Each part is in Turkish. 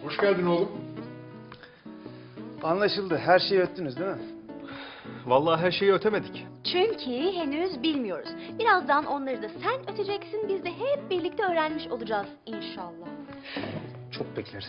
Hoş geldin oğlum. Anlaşıldı. Her şeyi öttünüz değil mi? Vallahi her şeyi ötemedik. Çünkü henüz bilmiyoruz. Birazdan onları da sen öteceksin, biz de hep birlikte öğrenmiş olacağız inşallah. Çok bekleriz.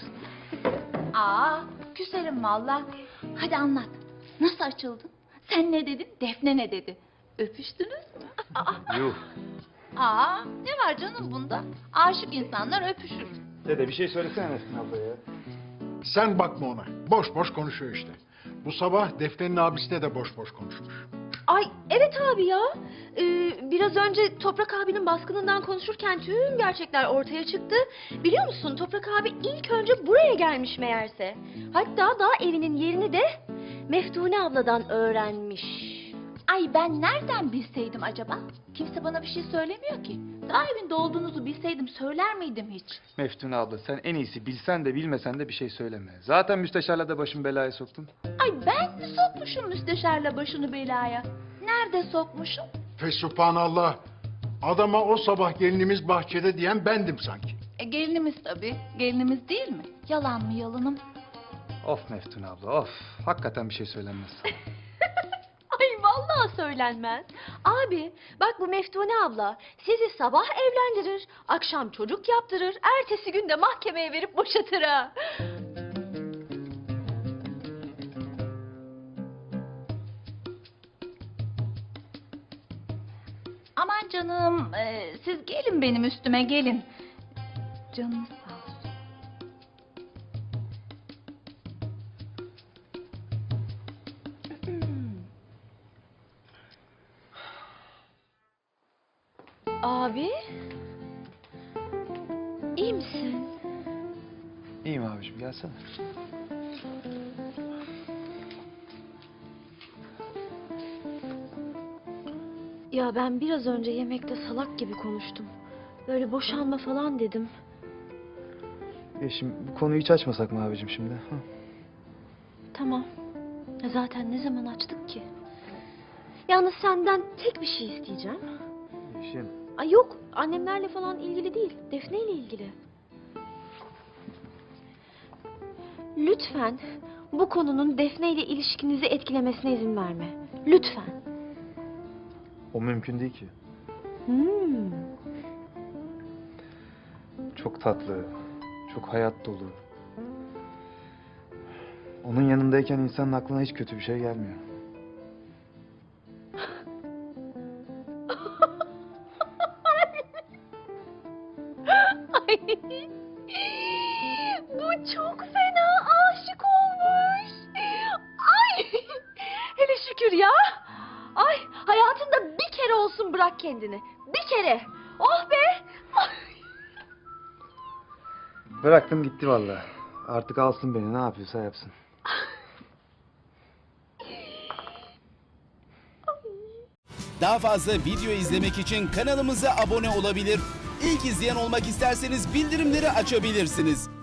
Küserim valla. Hadi anlat. Nasıl açıldın? Sen ne dedin? Defne ne dedi? Öpüştünüz mü? Yuh. Ne var canım bunda? Aşık insanlar öpüşür. Dede bir şey söylesene Nesrin abla ya. Sen bakma ona. Boş boş konuşuyor işte. Bu sabah Defne'nin abisine de boş boş konuşmuş. Ay evet abi ya. Biraz önce Toprak abinin baskınından konuşurken tüm gerçekler ortaya çıktı. Biliyor musun Toprak abi ilk önce buraya gelmiş meğerse. Hatta daha evinin yerini de Meftune abladan öğrenmiş. Ay ben nereden bilseydim acaba? Kimse bana bir şey söylemiyor ki. Daha evinde olduğunuzu bilseydim söyler miydim hiç? Meftune abla sen en iyisi bilsen de bilmesen de bir şey söyleme. Zaten müsteşarla da başımı belaya soktun. Ay ben mi sokmuşum müsteşarla başını belaya? Nerede sokmuşum? Fesubhanallah. Adama o sabah gelinimiz bahçede diyen bendim sanki. Gelinimiz tabii. Gelinimiz değil mi? Yalan mı yalanım? Of Meftune abla of. Hakikaten bir şey söylenmez. Ay vallahi söylenmez. Abi bak bu Meftune abla sizi sabah evlendirir, akşam çocuk yaptırır, ertesi gün de mahkemeye verip boşatır ha. Aman canım, siz gelin benim üstüme gelin. Canınız sağ olsun. Abi iyi misin? İyiyim abiciğim gelsene. Ya ben biraz önce yemekte salak gibi konuştum. Böyle boşanma falan dedim. Ya şimdi bu konuyu hiç açmasak mı abicim şimdi? Ha? Tamam. Zaten ne zaman açtık ki? Yalnız senden tek bir şey isteyeceğim. Yeşim. Ay yok, annemlerle falan ilgili değil, Defne ile ilgili. Lütfen bu konunun Defne ile ilişkinizi etkilemesine izin verme. Lütfen. O mümkün değil ki. Çok tatlı, çok hayat dolu. Onun yanındayken insanın aklına hiç kötü bir şey gelmiyor. Ay, bu çok fena aşık olmuş. Ay, hele şükür ya. Ay, hayatında bir kere olsun bırak kendini. Bir kere. Oh be. Bıraktım gitti vallahi. Artık alsın beni ne yapıyorsa yapsın. Daha fazla video izlemek için kanalımıza abone olabilir. İlk izleyen olmak isterseniz bildirimleri açabilirsiniz.